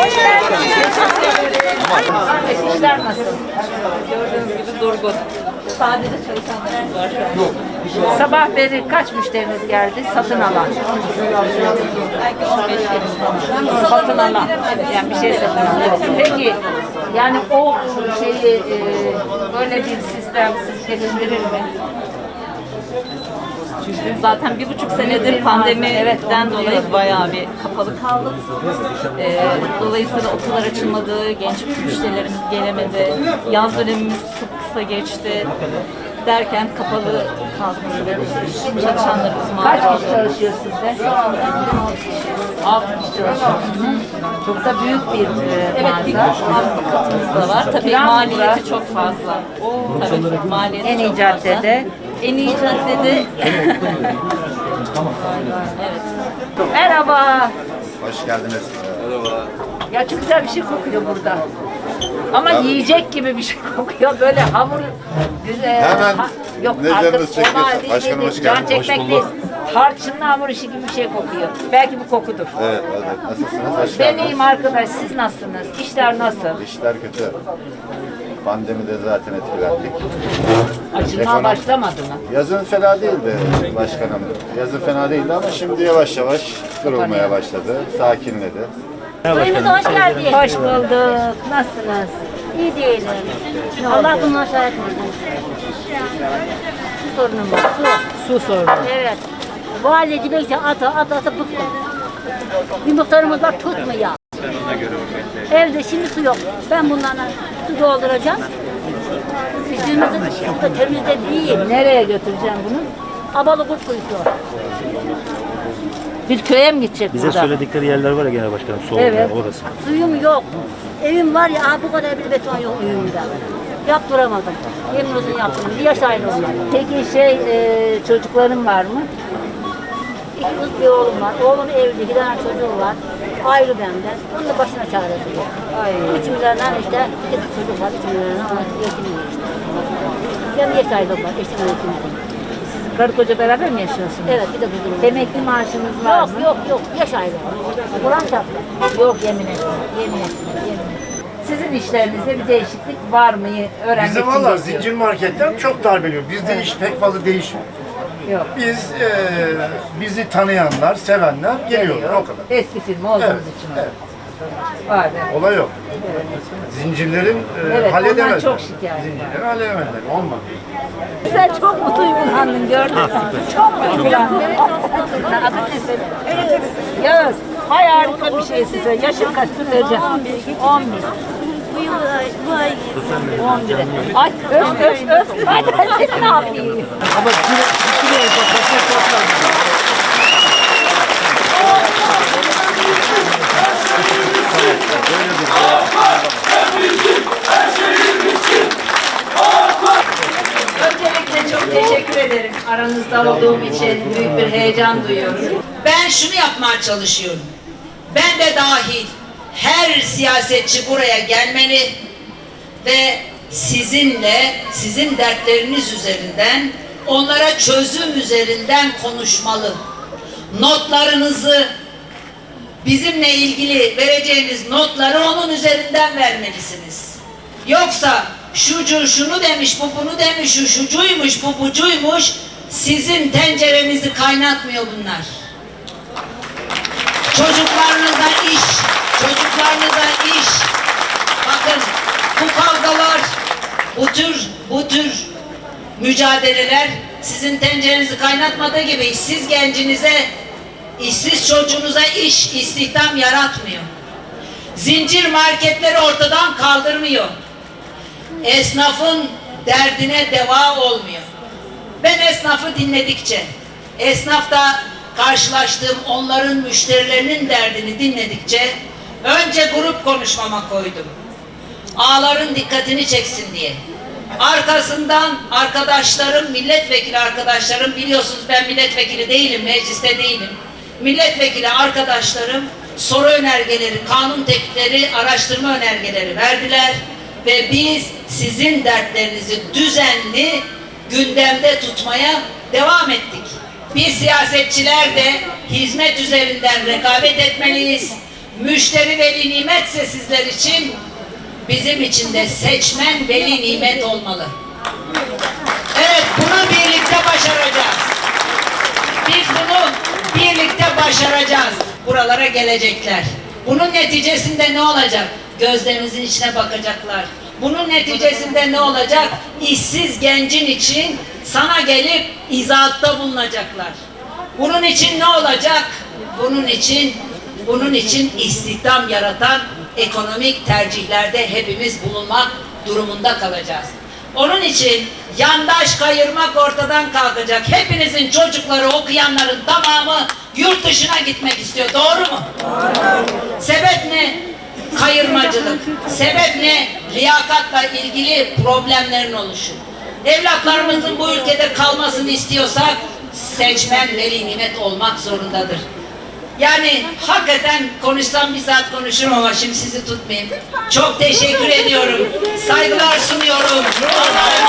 İşler nasıl? Gördüğünüz gibi durgun. Sadece çalışanlarımız var şu an. Sabah beri kaç müşteriniz geldi? Satın alan. Belki 15 falan. Satın alan. Yani bir şey satın alan. Peki yani o şeyi böyle bir sistem sizce gönderir mi? Çünkü zaten 1,5 senedir pandemiden dolayı bayağı bir kapalı kaldık. Dolayısıyla okullar açılmadı, genç müşterilerimiz gelemedi, yaz dönemimiz çok kısa geçti. Derken kapalı kaldık. Çalışanlarımız mağdur oldu. Kaç kişi çalışıyor sizde? 6 kişi çalışıyor. Çok da büyük bir mağaza. Alt katımız da var. Tabii maliyeti çok fazla. Tabii maliyeti en iyi caddede. En iyi caddede. Evet. Merhaba. Hoş geldiniz. Merhaba. Ya çok güzel bir şey kokuyor burada. Ama yiyecek gibi bir şey kokuyor. Böyle hamur güzel. Hemen yok ne artık canınız çekiyorsa. Başkanım hoş can geldin. çekmek değil. Tarçınlı hamur işi gibi bir şey kokuyor. Belki bu kokudur. Evet, evet. Nasılsınız? Hoş Ben geldiniz. iyiyim arkadaş. Siz nasılsınız? İşler nasıl? İşler kötü. Pandemide zaten etkilendik. Açılmaya başlamadı mı? Yazın fena değildi başkanım. Yazın fena değildi ama şimdi yavaş yavaş durulmaya başladı. Sakinledi. Köyümüze hoş geldin. Hoş bulduk. Nasılsınız? İyi değilim. Allah bunu aşağı etmesin. Su sorunum var. Su. Su sorunu. Evet. Valide neyse ata bıktım. Bir muhtarımız var tutmuyor. Evde şimdi su yok. Ben bunlarla su dolduracağım. Üstümüzü da temizde değil. Nereye götüreceğim bunu? Abalıkurt kuyusu. Bir köye mi gidecek Bize burada? söyledikleri yerler var ya genel başkanım, soğuk Evet. yani orası. Suyum yok. Evim var ya bu kadar bir beton yok evimde. Yaptıramadım. Yemin olsun yaptıramadım. Bir yaş ayrı onlar. Peki çocukların var mı? İki kız bir oğlum var. Oğlum evli, 2 tane çocuğu var. Ayrı benden. Onun da başına çaresi yok. Ay. 3 milyardan işte 2 çocuk var. 3 milyardan yetiniyor işte. Benim yaş ayrılığım var. Eşim yetiniyor. Siz karı koca beraber mi yaşıyorsunuz? Evet bir de kızım var. Emekli maaşınız var Yok mı? yok. Yaş ayrılığı. Kur'an çarptı. Yok yemin ederim. Yemin ederim. Sizin işlerinizde bir değişiklik var mı? Öğrenmek Bizde için valla geziyorum. zincir marketler çok darbeliyor. Bizde iş pek fazla değişmiyor. Yok. Bizi tanıyanlar, sevenler geliyorlar o kadar. Eski firma olduğunuz Evet, için. evet. Var evet. Olay yok. Zincirlerin Evet, halledemezler. ondan çok şikayet var. Zincirleri halledemezler. Olmadı. Sen çok mu duygulandın gördün mü? Çok mu duygulandın? Adı ne senin? Yağız. Hay harika bir şey size. Yaşın kaç? Dur vereceğim. 11. Bu ay 11. Ay öf. Hadi ben sesini yapayım. Ama bir Öncelikle çok teşekkür ederim. Aranızda olduğum için büyük bir heyecan duyuyorum. Ben şunu yapmaya çalışıyorum. Ben de dahil her siyasetçi buraya gelmeli ve sizinle, sizin dertleriniz üzerinden, onlara çözüm üzerinden konuşmalı. Notlarınızı, bizimle ilgili vereceğiniz notları onun üzerinden vermelisiniz. Yoksa şucu şunu demiş, bu bunu demiş, şu şucuymuş, bu bucuymuş, sizin tencerenizi kaynatmıyor bunlar. Çocuklarınıza iş. Bakın bu kavgalar, bu tür mücadeleler sizin tencerenizi kaynatmadığı gibi işsiz gencinize, işsiz çocuğunuza istihdam yaratmıyor. Zincir marketleri ortadan kaldırmıyor. Esnafın derdine deva olmuyor. Ben esnafı dinledikçe, esnafta karşılaştığım onların müşterilerinin derdini dinledikçe önce grup konuşmama koydum. Ağaların dikkatini çeksin diye. Arkasından arkadaşlarım, milletvekili arkadaşlarım, biliyorsunuz ben milletvekili değilim, mecliste değilim. Milletvekili arkadaşlarım soru önergeleri, kanun teklifleri, araştırma önergeleri verdiler ve biz sizin dertlerinizi düzenli gündemde tutmaya devam ettik. Biz siyasetçiler de hizmet üzerinden rekabet etmeliyiz. müşteri veli nimetse sizler için, bizim için de seçmen veli nimet olmalı. Evet, bunu birlikte başaracağız. Biz bunu birlikte başaracağız. Buralara gelecekler. Bunun neticesinde ne olacak? Gözlerinizin içine bakacaklar. Bunun neticesinde ne olacak? İşsiz gencin için sana gelip izahatta bulunacaklar. Bunun için ne olacak? Bunun için istihdam yaratan ekonomik tercihlerde hepimiz bulunmak durumunda kalacağız. Onun için yandaş kayırmak ortadan kalkacak. Hepinizin çocukları, okuyanların tamamı yurt dışına gitmek istiyor. Doğru mu? Sebep ne? Kayırmacılık. Sebep ne? Liyakatla ilgili problemlerin oluşu. Evlatlarımızın bu ülkede kalmasını istiyorsak seçmen veli nimet olmak zorundadır. Yani hakikaten konuşsam bir saat konuşurum ama şimdi sizi tutmayayım. Çok teşekkür ediyorum. Saygılar sunuyorum.